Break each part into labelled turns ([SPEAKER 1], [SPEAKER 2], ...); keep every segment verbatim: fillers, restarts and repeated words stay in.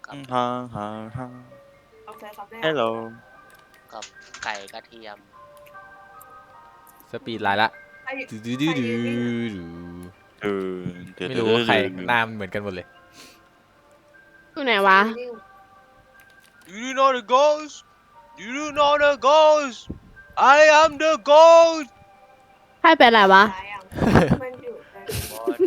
[SPEAKER 1] กับ
[SPEAKER 2] ฮ่าฮ่าฮ่า
[SPEAKER 3] โอเคครับได้
[SPEAKER 2] ฮัลโหล
[SPEAKER 1] กับไก่กระเทียม
[SPEAKER 4] สปีดไลน์ละ
[SPEAKER 3] ใคร
[SPEAKER 1] ดูดูดู
[SPEAKER 3] ใคร
[SPEAKER 1] ดู
[SPEAKER 3] ยืนนิ่งอะ
[SPEAKER 1] ดู
[SPEAKER 2] เออเดี๋ยว
[SPEAKER 1] ไม่
[SPEAKER 2] เดี๋ยว
[SPEAKER 1] รู้ว่าใคร
[SPEAKER 2] เดี๋ยว
[SPEAKER 1] หน้ามันเหมือนกันหมดเลย
[SPEAKER 5] อยู่ไหนวะ
[SPEAKER 3] ใครยืนนิ่ง
[SPEAKER 1] You know the ghost You know the ghost I am the ghost
[SPEAKER 5] ใครเป็นอะไรวะ
[SPEAKER 3] ตายยังมันอยู่ใน
[SPEAKER 1] What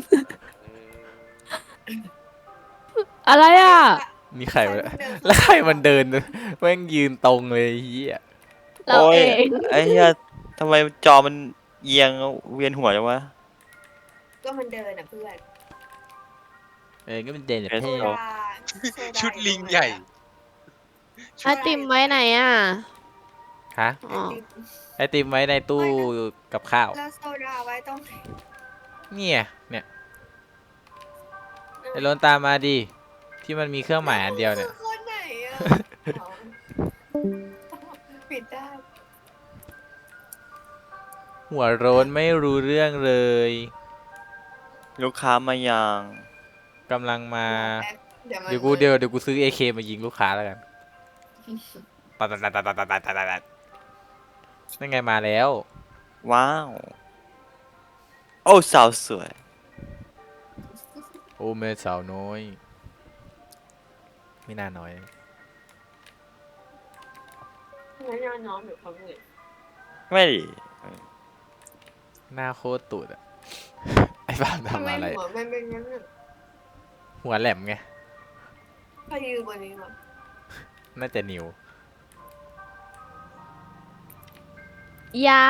[SPEAKER 5] อะไรอ่ะ
[SPEAKER 1] นี่ใครวะแล้วใครมันเดินแม่งยืนตรงเลยเฮีย
[SPEAKER 5] เรา
[SPEAKER 2] โอ้ย
[SPEAKER 5] เอง
[SPEAKER 2] ไอ้เหี้ยทำไมจอมันเอียงเวียนหัวจังวะ
[SPEAKER 3] ก็มันเดินอ่ะเพื่อน
[SPEAKER 1] เออก็เป็นเดน
[SPEAKER 2] เอส
[SPEAKER 3] โซ
[SPEAKER 2] โอ้
[SPEAKER 3] ดาโซา
[SPEAKER 1] ชุดลิงใหญ่
[SPEAKER 5] ไอติมไว้ไหนอ่ะ
[SPEAKER 1] ฮะ
[SPEAKER 5] อ๋อ
[SPEAKER 1] ไอติมไว้ในตู้กับข้าว
[SPEAKER 3] แล้วโซดาไว้ตรงไหน
[SPEAKER 1] เนี่ยเนี่ยไอโรนตามมาดิที่มันมีเครื่องหมายอันเดียวเนี่ย
[SPEAKER 3] คือคนไหนอ่ะอ๋อปิดได้
[SPEAKER 1] หัวโร้นไม่รู้เรื่องเลย
[SPEAKER 2] ลูกค้ามายัง
[SPEAKER 1] กำลังมา
[SPEAKER 3] เดี๋ยวมัน
[SPEAKER 1] เดี๋ยวกูเดี๋ยวเดี๋ยวกูซื้อ เอ เค มายิงลูกค้าแล้วกันตัดตัดตัดตัดตัดตัดตัดตัดนั่นไงมาแล้ว
[SPEAKER 2] ว้าว โอ้สาวสวย
[SPEAKER 1] โอ้แม่สาวน้อย ไม่น่าน้อย
[SPEAKER 3] ไม่นอนนอนหรือเขาเหนื่อย
[SPEAKER 2] ไม่ดิ
[SPEAKER 1] หน้าโคตรตูดอะ ไอ้บ้าน
[SPEAKER 3] ทำไม
[SPEAKER 1] ทำอะไร
[SPEAKER 3] หัวมันเป็นงั้นอ่ะ
[SPEAKER 1] หัวแหลมไง
[SPEAKER 3] ใครยืนบนนี้วะ
[SPEAKER 1] น่าจะนิวย
[SPEAKER 5] า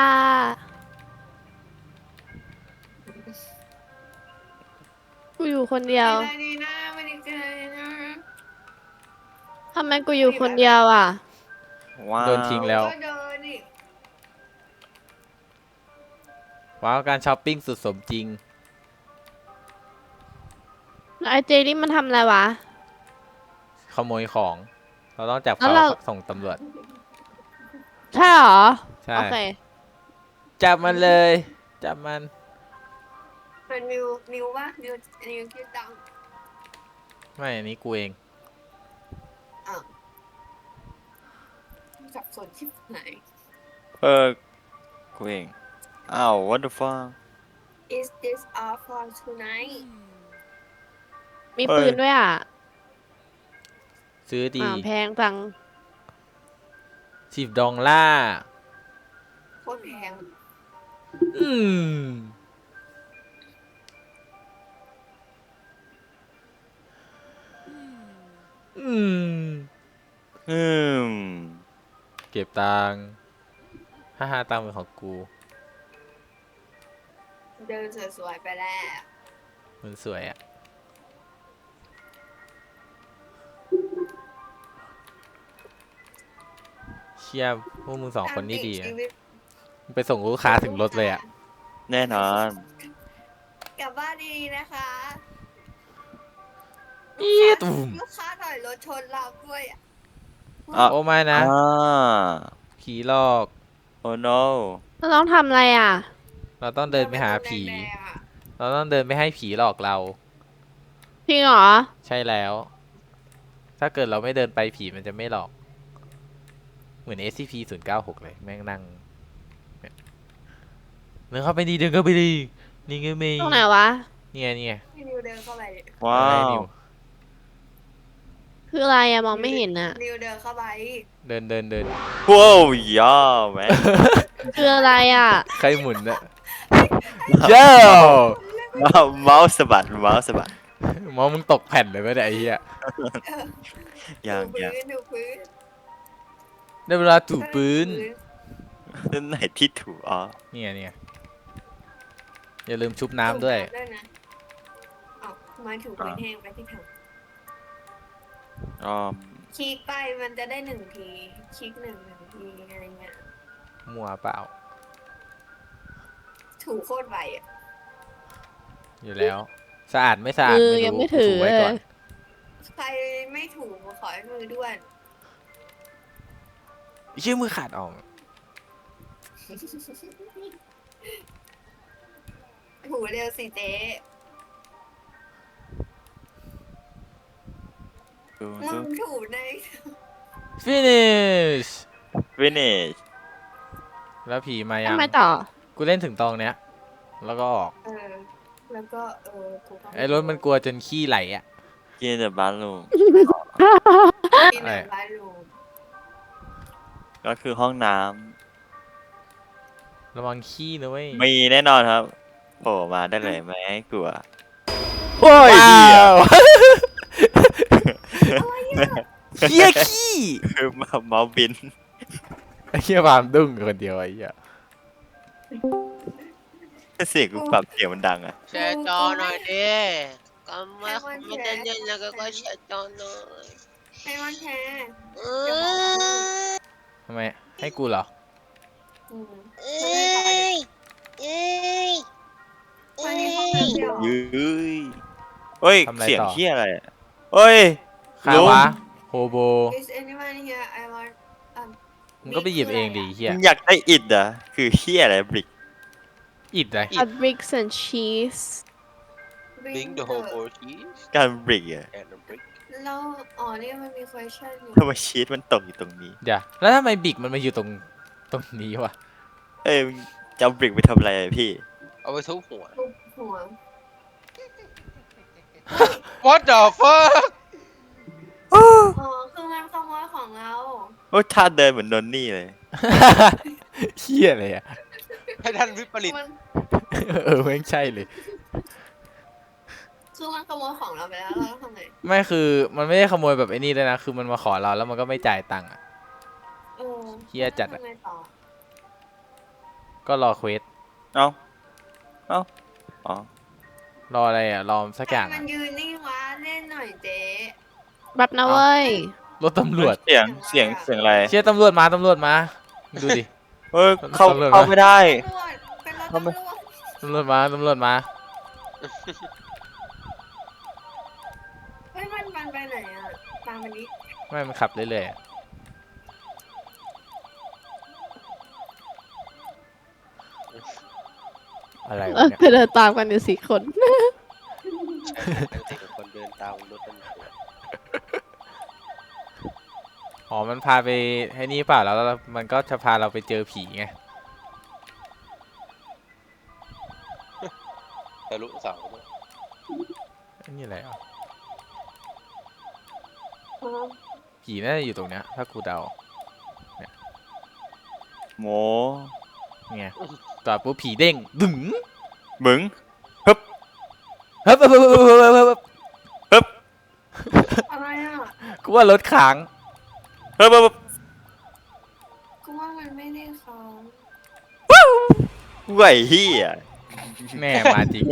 [SPEAKER 5] กูอยู่คนเดียว
[SPEAKER 3] ไม่ได้ดีนะไม่ได้เจอนะ
[SPEAKER 5] ทำไมกูอยู่คนเดียวอ่ะ
[SPEAKER 2] ว้าว
[SPEAKER 1] โดนทิ้งแล้ว
[SPEAKER 3] ก็เดินดิ
[SPEAKER 1] ว้าวการช้อปปิ้งสุดสมจริง
[SPEAKER 5] แล้วไอเจนี่มันทำอะไรวะ
[SPEAKER 1] ขโมยของ เราต้องจับ
[SPEAKER 5] แล้
[SPEAKER 1] เขา
[SPEAKER 5] วเรา
[SPEAKER 1] ส่งตำรวจ
[SPEAKER 5] ใช่เหรอ
[SPEAKER 1] ใช่
[SPEAKER 5] โอเค
[SPEAKER 1] จับมันเลย จับมัน
[SPEAKER 3] เป็นนิวนิววะนิวนิวคิดตังค์
[SPEAKER 1] ไม่อันนี้กูเอง
[SPEAKER 3] อ้าวสับสนชิบไหน
[SPEAKER 2] เออกูเอง อ้าว what the fuck
[SPEAKER 3] Is this all for tonight
[SPEAKER 5] มีปืนด้วยอ่ะ
[SPEAKER 1] ซื้อดี
[SPEAKER 5] อ่าแพงจัง
[SPEAKER 1] สิบดองล่า
[SPEAKER 3] โคตรแพง
[SPEAKER 1] อืม อืม
[SPEAKER 2] อืม
[SPEAKER 1] เก็บตังค์ฮ่าฮ่าตังค์เป็นของกู
[SPEAKER 3] เดินสวยๆไปแล้ว
[SPEAKER 1] มันสวยอะเชี่ยพวกมึงสองคนนี่ดีอะ
[SPEAKER 3] ชีวิต
[SPEAKER 1] ไปส่งลูกค้าถึงรถเลยอะ
[SPEAKER 2] แน่นอน
[SPEAKER 3] กลับบ้านดีๆนะคะ
[SPEAKER 1] อีตุ่ม
[SPEAKER 3] ลูกค้าถอยรถชนเราด้วยอ่ะ
[SPEAKER 2] อ่ะ
[SPEAKER 1] โอ้ไม่นะ
[SPEAKER 2] อ่า
[SPEAKER 1] ผีหลอก
[SPEAKER 2] โอ้ no
[SPEAKER 5] เราต้องทำอะไรอ่ะ
[SPEAKER 1] เราต้องเดินไปหาผี
[SPEAKER 3] แดงๆอะ
[SPEAKER 1] เราต้องเดินไปให้ผีหลอกเรา
[SPEAKER 5] จริงเหรอ
[SPEAKER 1] ใช่แล้ว ถ้าเกิดเราไม่เดินไปผีมันจะไม่หลอก เหมือน เอส ซี พี ศูนย์เก้าหกเลย แม่งนั่งเนี่ยเดินเข้าไปดีเดินเข้าไปดี นี่ไงเมย์
[SPEAKER 5] ตรงไหนวะ
[SPEAKER 1] เนี่ยเนี่ย
[SPEAKER 3] พี่นิวเดินเข้าไปดิ
[SPEAKER 2] ว้า
[SPEAKER 1] อะไร
[SPEAKER 2] ว
[SPEAKER 1] นิว
[SPEAKER 5] คืออะไรอะมองไม่เห็นอะ
[SPEAKER 3] นิวเดินเข้าไป
[SPEAKER 1] เดินเดินเดิน
[SPEAKER 2] ว้าวย่าแม่
[SPEAKER 5] คืออะไรอะ
[SPEAKER 1] ใครหมุนอะเจ้ า
[SPEAKER 2] เมาส์เมาส์สะบัดเมาส์สะบัด
[SPEAKER 1] มองมึงตกแผ่นเลยไหมเนี่ยไอ้เหี้ย
[SPEAKER 2] อย่าง
[SPEAKER 3] ดู
[SPEAKER 2] อย่าง
[SPEAKER 3] พื้นดูพื้น
[SPEAKER 1] ได้เวลาถูปืน
[SPEAKER 2] นั่นไหนที่ถูอ๋อ
[SPEAKER 1] เนี่ยเนี่ยอย่าลืมชุบน้ำด้วย
[SPEAKER 3] ถูน้ำนะอ้าวมาถูพื้นแห้งไปที่ถัง
[SPEAKER 2] อ๋อ
[SPEAKER 3] คลิกไปมันจะได้หนึ่งทีคลิกหนึ่งหนึ่งทีอะไรเงี้ย
[SPEAKER 1] มัวเปล่า
[SPEAKER 3] ถูโคตรไวอ่ะ
[SPEAKER 1] อยู่แล้ว สะอาดไม่สะอาด
[SPEAKER 5] มือ
[SPEAKER 1] ไม่
[SPEAKER 5] ยัง
[SPEAKER 1] รู้
[SPEAKER 5] ไม่ถือ
[SPEAKER 1] ถูไว้
[SPEAKER 5] เล
[SPEAKER 1] ก่อย น
[SPEAKER 3] ใครไม่ถูขอให้มือด้วน
[SPEAKER 1] ชื่อมือขาดออก
[SPEAKER 3] ถูเร็วสิเจ๊
[SPEAKER 2] ดู
[SPEAKER 3] มึ
[SPEAKER 2] ดู
[SPEAKER 3] งถูใน
[SPEAKER 1] finish
[SPEAKER 2] finish
[SPEAKER 1] แล้วผีมายั
[SPEAKER 5] ทำ
[SPEAKER 1] ง
[SPEAKER 5] ไมต่อ
[SPEAKER 1] กูเล่นถึงตรงเนี้ย แล้วก็ออก
[SPEAKER 3] เออ แล้วก็เออกูก็
[SPEAKER 1] ไอ้รถมันกลัวจนขี้ไหลอ่ะ
[SPEAKER 2] กินแต่บ้านลูก
[SPEAKER 3] กินในบ้านรูม
[SPEAKER 2] ก็คือห้องน้
[SPEAKER 1] ระวังขี้นะเว้ย
[SPEAKER 2] ำมีแน่นอนครับโผล่มาได้เลยไม่ให้กลัว
[SPEAKER 1] โอ้ย
[SPEAKER 2] ว้าว
[SPEAKER 1] เหี้ยขี้
[SPEAKER 2] คือเมาส์บิน
[SPEAKER 1] ไอ้เหี้ยบามดุ้งคนเดียวไอ้เหี้ย
[SPEAKER 2] เสียงกูปรับเสียงมันดังอ่ะ
[SPEAKER 6] แชร์จอหน่อยดิก็ไม่ไม่ได้เล่นแล้วก็ก็แชร์จอหน่อย
[SPEAKER 3] ให้มันแชร์
[SPEAKER 6] เอ
[SPEAKER 1] ทำไม ให้กูเหรอ
[SPEAKER 3] อืม
[SPEAKER 6] เอ้ยเอ้ย
[SPEAKER 3] ตอนนี้ห้องน้ำเดียว
[SPEAKER 2] ยืยเฮ้ย
[SPEAKER 1] ทำอะไรต่อ
[SPEAKER 2] เสียงเฮียอะไรอะเฮ้ย
[SPEAKER 1] ใคร
[SPEAKER 2] ลุง
[SPEAKER 1] วะ โฮโบ
[SPEAKER 3] Is anyone here I want um
[SPEAKER 1] มึงก็ไปหยิบเองดิเหี้ย
[SPEAKER 2] มึงอยากได้อิดอ่ะคือเฮียอะไรบริก
[SPEAKER 1] อิดเลย
[SPEAKER 5] a bricks and cheese
[SPEAKER 6] Bring the whole board cheese
[SPEAKER 2] การบริกอ่ะ
[SPEAKER 6] and the brick
[SPEAKER 3] แล้วอ๋อนี่มันมี question อยู่
[SPEAKER 2] ทำไมชีสมันตกอยู่ตรงนี้
[SPEAKER 1] เดี๋ยวแล้วทำไมบิกมันมาอยู่ตรงตรงนี้วะ
[SPEAKER 2] เอ้ยมึงจะเอาบริกไปทำอะไรอะพี่
[SPEAKER 6] เอาไปทุบหัว
[SPEAKER 3] ทุบหัว
[SPEAKER 6] What the fuck
[SPEAKER 3] อ๋อคือมันขโมยของเรา
[SPEAKER 2] โอ้ยท่าเดินเหมือนนนนี่เลย
[SPEAKER 1] เหี้ยอะไรอ่ะ
[SPEAKER 6] ให้ท่านวิปริต
[SPEAKER 3] มัน
[SPEAKER 1] เออไม่งใช่เลย
[SPEAKER 3] คือมันขโมยของเราไปแล้วเราต้องทำไง
[SPEAKER 1] ไม่คือมันไม่ได้ขโมยแบบไอ้นี่เลยนะ คือมันมาขอเราแล้วมันก็ไม่จ่ายตังค์อ่ะ
[SPEAKER 3] เออ
[SPEAKER 1] เหี้ยจัดอะ
[SPEAKER 3] ทำไงต่อ
[SPEAKER 1] ก็รอเควส
[SPEAKER 2] เอ้า เอ้า อ๋อ
[SPEAKER 1] รออะไรอ่ะ รอสักอย่าง
[SPEAKER 3] ให้มั
[SPEAKER 1] อะ
[SPEAKER 3] นยืนนิ่งวะเล่นหน่อยเจ๊
[SPEAKER 5] แบบนะเว้ย
[SPEAKER 1] รถตำรวจ
[SPEAKER 2] เสียง เสียง เสียงอะไร
[SPEAKER 1] เชี่ยตำรวจมาตำรวจมา ดูดิ
[SPEAKER 2] เฮ้ย เข้า
[SPEAKER 1] ตำรวจ
[SPEAKER 2] เข้าไม่ได้
[SPEAKER 3] ตำรวจเป็นรถ
[SPEAKER 2] ทำไม
[SPEAKER 3] ตำรวจ
[SPEAKER 1] ตำรวจมาตำรวจมา
[SPEAKER 3] เฮ้ยมันมันไปไหนอ่ะตามมันนี้
[SPEAKER 1] ไม่มันขับเรื่อยๆอะอะไร
[SPEAKER 5] เอ
[SPEAKER 1] วะ
[SPEAKER 5] อ
[SPEAKER 1] เนี่ย
[SPEAKER 5] ไปเดินตามกันอยู่สี่คน
[SPEAKER 6] ใช่คนเดินตามรถตำรวจ
[SPEAKER 1] อ๋อ มันพาไปให้นี่เปล่าแล้วมันก็จะพาเราไปเจอผีไง
[SPEAKER 6] ทะลุเสาด้วย
[SPEAKER 1] ไอ้นี่อะไรอ่ะ
[SPEAKER 3] อ๋อ
[SPEAKER 1] ผีน่าจะอยู่ตรงเนี้ย ถ้ากูเดา
[SPEAKER 2] โม
[SPEAKER 1] ไงจอดปุ๊บผีเด้ง ดึง
[SPEAKER 2] มึง
[SPEAKER 1] เฮ้ยเฮ้ยเฮ้ยเฮ้ยเฮ้ยเฮ้ยเฮ้ย
[SPEAKER 2] ฮึบ
[SPEAKER 3] อะไรอ่ะ
[SPEAKER 1] กูว่ารถค้าง
[SPEAKER 2] ฮึบฮึบฮึบ
[SPEAKER 3] กูว่ามันไม่ได้เขา
[SPEAKER 2] ไหวเฮีย
[SPEAKER 1] แม่มาจริง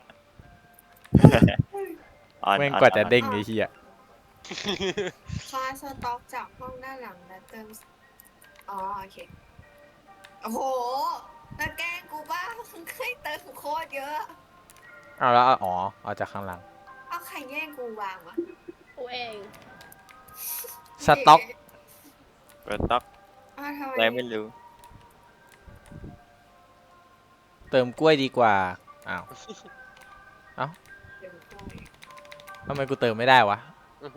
[SPEAKER 2] อ่อน
[SPEAKER 1] แม่ง
[SPEAKER 2] อ่อน
[SPEAKER 1] กว่าจะ
[SPEAKER 2] อ่อน
[SPEAKER 1] เด้งไอ้เหี้ย
[SPEAKER 3] คลาสต็อกจากห้องด้านหลังและเติมอ๋อโอเคโอ้โหแล้วแกล้งกูบ้ามึงเคยเติมโคตรเยอะ
[SPEAKER 1] เอาแล้วเอาอ๋อ เอาจากข้างหลัง
[SPEAKER 3] เอาใครแย่งกูวางวะ
[SPEAKER 5] กูเอง
[SPEAKER 1] สต็อก
[SPEAKER 2] เปิดต็อก
[SPEAKER 3] อ้าวทำไม
[SPEAKER 2] อะไรไม่รู้
[SPEAKER 1] เติมกล้วยดีกว่า อ้าว
[SPEAKER 3] เดี๋ยวกู
[SPEAKER 1] ทำไมกูเติมไม่ได้วะ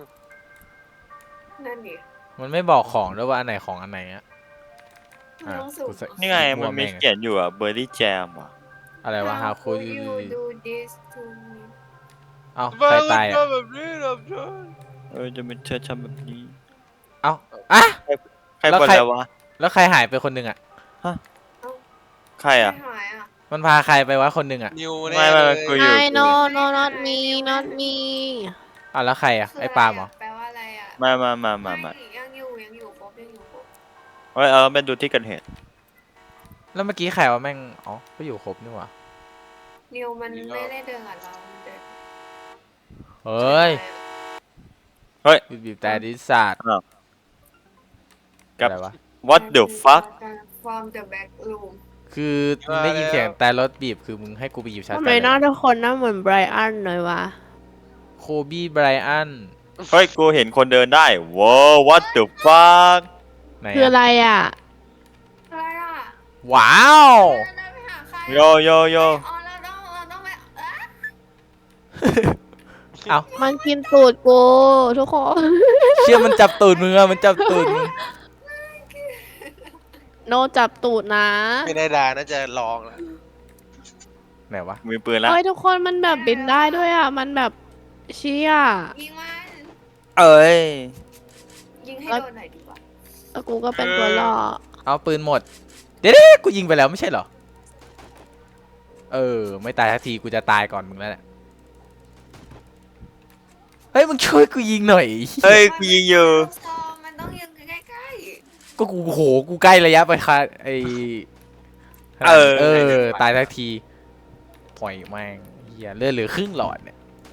[SPEAKER 3] นั่นดิ
[SPEAKER 1] มันไม่บอกของด้วยว่าอันไหนของอันไหนอะ
[SPEAKER 3] มึงต้องสู
[SPEAKER 1] กู
[SPEAKER 3] ง
[SPEAKER 1] ใส่
[SPEAKER 2] นี่ไง
[SPEAKER 1] มั่
[SPEAKER 2] มั
[SPEAKER 1] วน
[SPEAKER 2] มี
[SPEAKER 1] แม่ง
[SPEAKER 2] เขียนอยู่อ่ะเบอร์รี่แจมอ่ะ
[SPEAKER 1] อะไรวะ how could you
[SPEAKER 3] you do this to me
[SPEAKER 1] เอ้าใครตายอะ
[SPEAKER 6] แบบนี้แบบนี้
[SPEAKER 2] เออจะเป็นเธอทำแบบนี้
[SPEAKER 1] เอ้าอะ
[SPEAKER 2] ใคร
[SPEAKER 1] แล้ว
[SPEAKER 2] บ่น
[SPEAKER 1] ใคร
[SPEAKER 2] แล้ววะ
[SPEAKER 1] แล้วใครหายไปคนหนึ่งอะ
[SPEAKER 2] ใครอ่ะ
[SPEAKER 3] ไม่หายอ่ะ
[SPEAKER 1] มันพาใครไปวะคนหนึ่งอะ
[SPEAKER 6] นิว
[SPEAKER 2] ไม่
[SPEAKER 6] แน่
[SPEAKER 2] ไม่
[SPEAKER 6] เลย
[SPEAKER 2] กูอยู่
[SPEAKER 5] I no no not me not me
[SPEAKER 1] อ้าวแล้วใครอะ
[SPEAKER 3] คือ
[SPEAKER 1] ไอ้ปาล์มเหรอ
[SPEAKER 3] แปลว่าอะไรอ่ะ
[SPEAKER 2] มามามามามา
[SPEAKER 3] ไยังอยู่ยังอยู่ครบยังอยู่ครบ
[SPEAKER 2] เฮ้ยเอาเป็นดูที่เกันเหตุ
[SPEAKER 1] แล้วเมื่อกี้ใครวะแม่ง อ๋อ ก็อยู่ครบนี่หว่า
[SPEAKER 3] นิวมันไม่ได้เดินกับเรามันเดิน
[SPEAKER 1] เฮ้ย
[SPEAKER 2] เฮ้ย
[SPEAKER 1] บีบบีบแต่ดิสาด
[SPEAKER 2] กับ
[SPEAKER 1] อะไรวะ
[SPEAKER 2] what the fuck
[SPEAKER 3] from the back room
[SPEAKER 1] คือมึงได้ยินเสียงแต่รถบีบ คือมึงให้กูไปหยิบชาร์จ
[SPEAKER 5] ทำ
[SPEAKER 1] แบ
[SPEAKER 5] ไม
[SPEAKER 1] ต
[SPEAKER 5] หน้าทุกคนหน้าเหมือนไบรอันเลยวะ
[SPEAKER 1] โคบี้ไบรอัน
[SPEAKER 2] เฮ้ย กูเห็นคนเดินได้ว้าว what the fuck
[SPEAKER 1] ไหน
[SPEAKER 5] คืออะไรอ่ะ
[SPEAKER 3] อะไรอ่ะ
[SPEAKER 1] ว้าว
[SPEAKER 3] เราเดินไปหาใคร
[SPEAKER 2] โยโยโย
[SPEAKER 3] อ๋อเราต้องเราต้องไปเอ๊ะ
[SPEAKER 1] เอ้า
[SPEAKER 5] มันกินตูดกูทุกคน
[SPEAKER 1] เชื่อมันจับตูดมึงอะมันจับตูดมึง
[SPEAKER 5] โนจับตูดนะ
[SPEAKER 6] ไม่ได้ดาน่าจะลองแล้ว
[SPEAKER 1] ไหนวะ
[SPEAKER 2] มีปืนแล้ว
[SPEAKER 5] เฮ้ยทุกคนมันแบบบินได้ด้วยอ่ะ มันแบบเชี่ย
[SPEAKER 3] ยิงมัน
[SPEAKER 2] เอ้ย
[SPEAKER 3] ยิงให้โดนหน่อยดีกว่า
[SPEAKER 5] แล้วกูก็เป็นตัวล่อ
[SPEAKER 1] เอาปืนหมด เดี๋ยวๆกูยิงไปแล้วไม่ใช่เหรอ เออ ไม่ตายทักทีกูจะตายก่อนมึงแล้วแหละ เฮ้ยมึงช่วยกูยิงหน่อย
[SPEAKER 2] เฮ้ยกูยิงอยู่
[SPEAKER 3] ลูกซองมันต้องยิงใกล้
[SPEAKER 1] ก็กูโหกูใกล้ระยะไปค่ะไอ
[SPEAKER 2] เออ
[SPEAKER 1] เออ ตายทักทีปล่อยแม่งเฮียเลือดเหลือครึ่งหลอดเนี่ย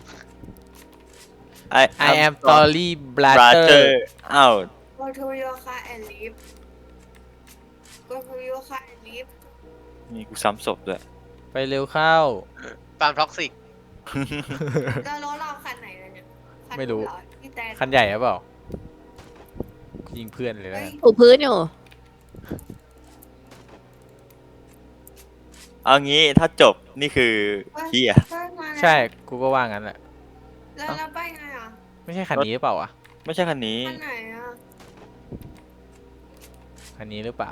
[SPEAKER 2] I
[SPEAKER 1] I am sorry brother
[SPEAKER 2] brother อ้าว
[SPEAKER 3] ๆ go to your car and leave go to your car and leave
[SPEAKER 2] มีกูซ้ำศพด้วย
[SPEAKER 1] ไปเร็วเข้า
[SPEAKER 6] ฟาร์มท็อกซิก
[SPEAKER 3] แล้วรถเราคันไหนล่ะเนี่ยคัน
[SPEAKER 1] ไม่รู้
[SPEAKER 3] เหอพี่แตน
[SPEAKER 1] คันใหญ่หรือเปล่ายิงเพื่อนเลยแล้ว
[SPEAKER 3] เฮ้
[SPEAKER 1] กั
[SPEAKER 3] ย
[SPEAKER 1] น
[SPEAKER 5] ถูพื้นอยู่
[SPEAKER 2] เอางี้ถ้าจบนี่คือเฮีย
[SPEAKER 3] เฮ้ยมาแล้ว
[SPEAKER 1] ใช่ กูก็ว่างั้นแหละ
[SPEAKER 3] แล้วเราไปไงอ่ะ
[SPEAKER 1] ไม่ใช่คันนี้หรือเปล่าอ่ะ
[SPEAKER 2] ไม่ใช่คันนี้
[SPEAKER 3] คันไหนอ่ะ
[SPEAKER 1] คันนี้หรือเปล่า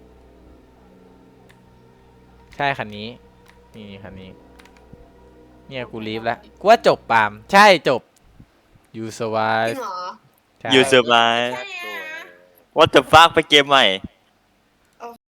[SPEAKER 1] ใช่คันนี้ นี่คันนี้ เนี่ยกูรีบแล้ว กูว่าจบปาล์มใช่จบ you
[SPEAKER 3] จริ
[SPEAKER 1] survive
[SPEAKER 3] งเหรอ
[SPEAKER 1] ใช่
[SPEAKER 2] You survive
[SPEAKER 3] ใช่อะ
[SPEAKER 2] What the fuck ไปเกมใหม่